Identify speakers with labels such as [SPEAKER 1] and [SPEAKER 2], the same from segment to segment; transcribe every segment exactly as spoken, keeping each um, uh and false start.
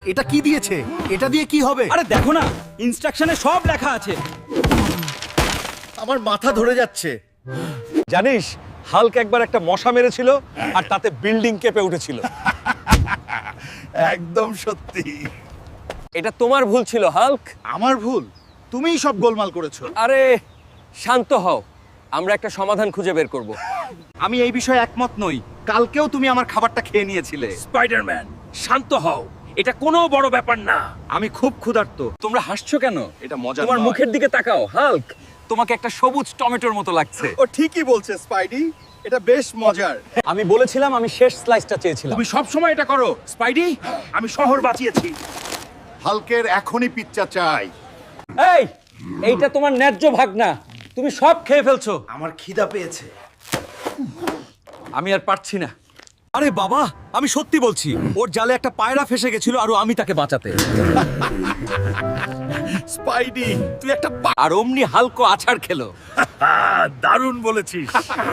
[SPEAKER 1] এটা কি দিয়েছে? এটা দিয়ে কি হবে?
[SPEAKER 2] আরে দেখো না, ইনস্ট্রাকশনে সব লেখা আছে।
[SPEAKER 1] আমার মাথা ধরে যাচ্ছে।
[SPEAKER 3] জানিস হাল্ক একবার একটা মশা মেরেছিল আর তাতে বিল্ডিং কেঁপে উঠেছিল।
[SPEAKER 1] একদম সত্যি।
[SPEAKER 4] এটা তোমার ভুল ছিল হাল্ক।
[SPEAKER 1] আমার ভুল? তুমিই সব গোলমাল করেছো।
[SPEAKER 4] আরে শান্ত হও, আমরা একটা সমাধান খুঁজে বের করব।
[SPEAKER 1] আমি এই বিষয়ে একমত নই। কালকেও তুমি আমার খাবারটা খেয়ে নিয়েছিলে।
[SPEAKER 2] স্পাইডারম্যান, শান্ত হও, এটা কোনো বড় ব্যাপার না।
[SPEAKER 1] আমি খুব ক্ষুধার্ত।
[SPEAKER 4] তোমরা হাসছো কেন?
[SPEAKER 1] এটা মজা
[SPEAKER 4] তোমার
[SPEAKER 1] নয়।
[SPEAKER 4] মুখের দিকে তাকাও হাল্ক, তোমাকে একটা সবুজ টমেটোর মতো লাগছে।
[SPEAKER 1] ও ঠিকই বলছে স্পাইডি, এটা বেশ মজার।
[SPEAKER 3] আমি বলেছিলাম আমি শেষ স্লাইসটা চেয়েছিলাম।
[SPEAKER 2] তুমি সব সময় এটা করো স্পাইডি। আমি শহর বাঁচিয়েছি।
[SPEAKER 1] হালকের এখনই পিৎজা চাই।
[SPEAKER 4] এই, এইটা তোমার ন্যায্য ভাগ না, তুমি সব খেয়ে ফেলছো।
[SPEAKER 1] আমার খিদা পেয়েছে।
[SPEAKER 4] আমি আর পারছি না।
[SPEAKER 3] আরে বাবা, আমি সত্যি বলছি, ওর জালে একটা পায়রা ফেসে গেছিল আর আমি তাকে বাঁচাতে।
[SPEAKER 1] স্পাইডি, তুই একটা
[SPEAKER 4] আর অমনি হালকো আছাড় খেলো।
[SPEAKER 2] দারুণ বলেছিস।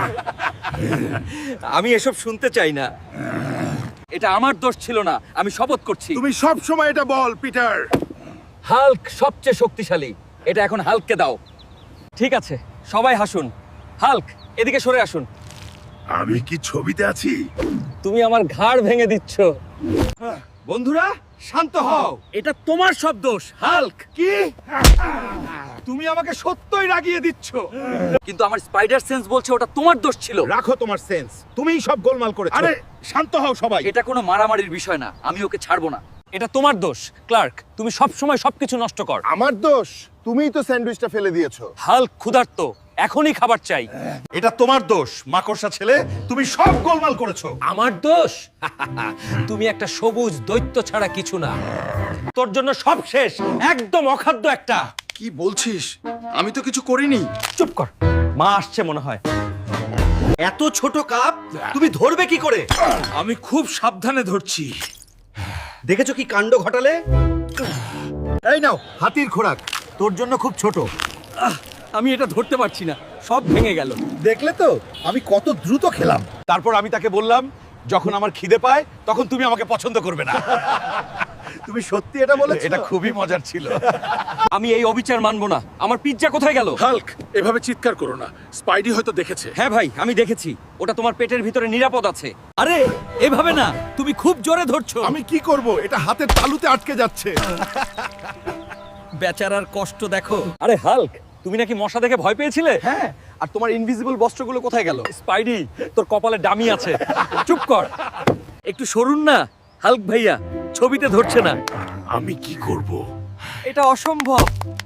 [SPEAKER 4] আমি এসব শুনতে চাই না। এটা আমার দোষ ছিল না, আমি শপথ করছি।
[SPEAKER 1] তুমি সব সময় এটা বল পিটার।
[SPEAKER 4] হাল্ক সবচেয়ে শক্তিশালী, এটা এখন হাল্ককে দাও। ঠিক আছে, সবাই হাসুন। হাল্ক এদিকে সরে আসুন।
[SPEAKER 1] আমি কি ছবিতে আছি?
[SPEAKER 4] তুমি আমার ঘাড় ভেঙে দিচ্ছ।
[SPEAKER 1] বন্ধুরা শান্ত হও।
[SPEAKER 2] এটা তোমার সব দোষ হাল্ক।
[SPEAKER 1] কি? তুমি আমাকে সত্যই রাগিয়ে দিচ্ছ।
[SPEAKER 4] কিন্তু আমার স্পাইডার সেন্স বলছে ওটা তোমার দোষ ছিল।
[SPEAKER 1] রাখো তোমার সেন্স, তুমিই সব গোলমাল করেছো। আরে শান্ত হও সবাই।
[SPEAKER 4] এটা কোনো মারামারির বিষয় না, আমি ওকে ছাড়বো না। এটা তোমার দোষ ক্লার্ক, তুমি সব সময় সবকিছু নষ্ট কর।
[SPEAKER 5] আমার দোষ? তুমিই তো স্যান্ডউইচটা ফেলে দিয়েছো।
[SPEAKER 4] হাল্ক ক্ষুধার্ত, এখনই খাবার চাই।
[SPEAKER 1] এটা তোমার দোষ মাকড়সা ছেলে, তুমি সব গোলমাল করেছো।
[SPEAKER 4] আমার দোষ? তুমি একটা সবুজ দৈত্য ছাড়া কিছু না। তোর জন্য সব শেষ, একদম অখাদ্য একটা।
[SPEAKER 5] কি বলছিস? আমি তো কিছু করিনি।
[SPEAKER 4] চুপ কর, মা আসছে মনে হয়।
[SPEAKER 1] এত ছোট কাপ তুমি ধরবে কি করে?
[SPEAKER 2] আমি খুব সাবধানে ধরছি।
[SPEAKER 1] দেখেছো কি কাণ্ড ঘটালে? এই নাও হাতির খোরাক, তোর জন্য খুব ছোট।
[SPEAKER 4] আমি এটা ধরতে পারছি না, সব ভেঙে গেল।
[SPEAKER 1] দেখলে তো আমি কত দ্রুত খেলাম।
[SPEAKER 3] তারপর আমি তাকে বললাম, যখন আমার খিদে পায় তখন তুমি আমাকে পছন্দ করবে না।
[SPEAKER 1] তুমি সত্যি এটা বলেছো?
[SPEAKER 3] এটা খুবই মজার ছিল।
[SPEAKER 4] আমি এই অবিচার মানবো না। আমার পিৎজা কোথায় গেল?
[SPEAKER 2] হাল্ক, এভাবে চিৎকার করো না, স্পাইডি হয়তো দেখেছে।
[SPEAKER 4] হ্যাঁ ভাই, আমি দেখেছি, ওটা তোমার পেটের ভিতরে নিরাপদ আছে।
[SPEAKER 3] আরে এভাবে না, তুমি খুব জোরে ধরছো।
[SPEAKER 5] আমি কি করব? এটা হাতের তালুতে আটকে যাচ্ছে।
[SPEAKER 3] বেচারার কষ্ট দেখো।
[SPEAKER 4] আরে হাল্ক, তুমি নাকি মশা দেখে ভয় পেয়েছিলে?
[SPEAKER 3] হ্যাঁ, আর তোমার ইনভিজিবল বস্ত্রগুলো কোথায় গেল?
[SPEAKER 4] স্পাইডি, তোর কপালে ডামি আছে। চুপ কর, একটু সরুন না। হাল্ক ভাইয়া ছবিতে ধরছে না।
[SPEAKER 2] আমি কি করব?
[SPEAKER 4] এটা অসম্ভব।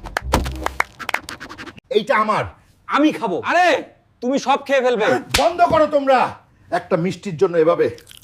[SPEAKER 1] এইটা আমার,
[SPEAKER 4] আমি খাবো। আরে তুমি সব খেয়ে ফেলবে।
[SPEAKER 1] বন্ধ করো তোমরা। একটা মিষ্টির জন্য এভাবে